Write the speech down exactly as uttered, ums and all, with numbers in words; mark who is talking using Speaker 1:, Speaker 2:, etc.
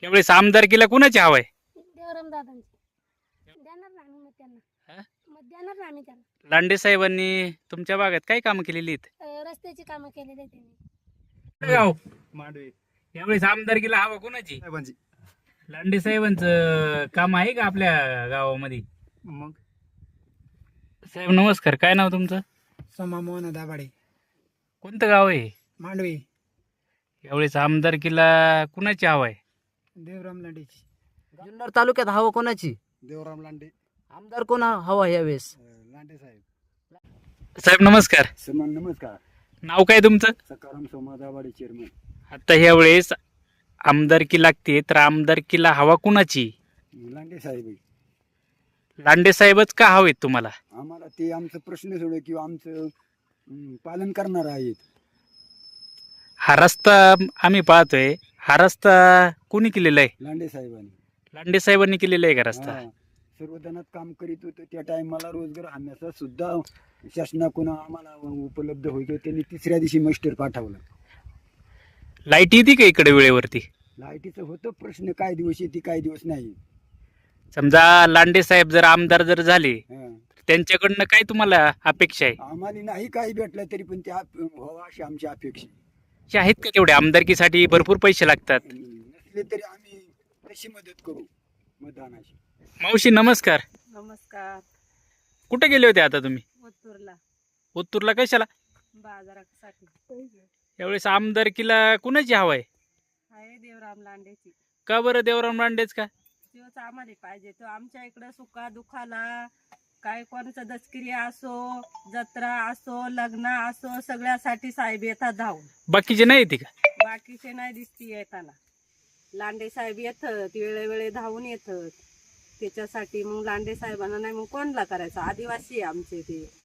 Speaker 1: यावेळेस आमदारकीला कुणाची हवा आहे?
Speaker 2: देवराम दादांची देणार ना आम्ही मत त्यांना.
Speaker 1: हा?
Speaker 2: मत देणार ना आम्ही त्यांना.
Speaker 1: लांडे साहेबांनी तुमच्या भागात काय कामं केलेली आहेत?
Speaker 2: अं, रस्त्याची कामं केलेली आहेत त्यांनी.
Speaker 1: गाव
Speaker 3: मांडवे
Speaker 1: यावेळेस आमदारकीला हवा कुणाची?
Speaker 3: साहेबांची.
Speaker 1: लांडे साहेबांचं काम आहे का आपल्या गावामध्ये?
Speaker 3: मग
Speaker 1: साहेब नमस्कार, काय नाव तुमचं?
Speaker 3: समा मोहन दाभाडे,
Speaker 1: कोणतं गाव आहे?
Speaker 3: मांडवे.
Speaker 1: यावेळेस आमदारकीला कुणाची हवा आहे?
Speaker 3: देवराम लांडेची.
Speaker 4: जुन्नर तालुक्यात हवा कोणाची?
Speaker 3: देवराम लांडे.
Speaker 4: आमदार कोण हवा यावेळेस?
Speaker 3: लांडे साहेब.
Speaker 1: साहेब नमस्कार,
Speaker 3: समान नमस्कार.
Speaker 1: नाव काय तुमचं?
Speaker 3: सकाराम सोमा दाभाडे चेअरमन.
Speaker 1: आता यावेळेस आमदारकी लागते, तर आमदारकीला हवा कुणाची?
Speaker 3: लांडे साहेब आहे.
Speaker 1: लांडे साहेबच का हवेत तुम्हाला?
Speaker 3: आम्हाला ते आमचं प्रश्न सोडव किंवा आमचं अं, पालन करणार आहेत.
Speaker 1: हा रस्ता आम्ही पाहतोय, हा रस्ता कोणी केलेला आहे?
Speaker 3: लांडे साहेबांनी.
Speaker 1: लांडे साहेबांनी केलेला आहे का रस्ता?
Speaker 3: हा. सर्वजणात काम करीत होतं त्या टायमाला रोजगार हम्याचा सुद्धा शासनाकडून आम्हाला उपलब्ध होतो. त्यांनी तिसऱ्या दिवशी मास्टर पाठवलं.
Speaker 1: लाईट येते का इकडे वेळेवरती?
Speaker 3: लाईटीचं होतं प्रश्न, काय दिवस येते काय दिवस नाही.
Speaker 1: समजा लांडे साहेब जर आमदार जर झाले,
Speaker 3: हा.
Speaker 1: त्यांच्याकडनं काय तुम्हाला अपेक्षा आहे?
Speaker 3: आम्हाला नाही काही भेटलं तरी पण त्या व्हावं अशी आमची अपेक्षा आहे.
Speaker 1: हे आहेत का तेवढे? आमदारकीसाठी भरपूर पैसे लागतात.
Speaker 3: नसले तरी आम्ही तशी मदत करू मतदानाची.
Speaker 1: मावशी नमस्कार,
Speaker 5: नमस्कार.
Speaker 1: कुठे गेले होते आता तुम्ही?
Speaker 5: ओतूरला
Speaker 1: ओतूरला कशाला?
Speaker 5: बाजारासाठी
Speaker 1: यावेळेस आमदारकीला कुणाची हवा आहे?
Speaker 5: आहे देवराम लांडेची.
Speaker 1: का बरं देवराम लांडेच का?
Speaker 5: तोच आम्हाला पाहिजे. तो आमच्या इकडं सुका दुखाला काय कोणाचं दसकिरी असो, जत्रा असो, लग्न असो, सगळ्यासाठी साहेब येतात धावून.
Speaker 1: बाकीचे नाही येते का?
Speaker 5: बाकीचे नाही दिसती येताना. लांडे साहेब येतात वेळेवेळे धावून येतात. त्याच्यासाठी मग लांडे साहेबांना नाही मग कोणला करायचं? आदिवासी आहे आमचे ते.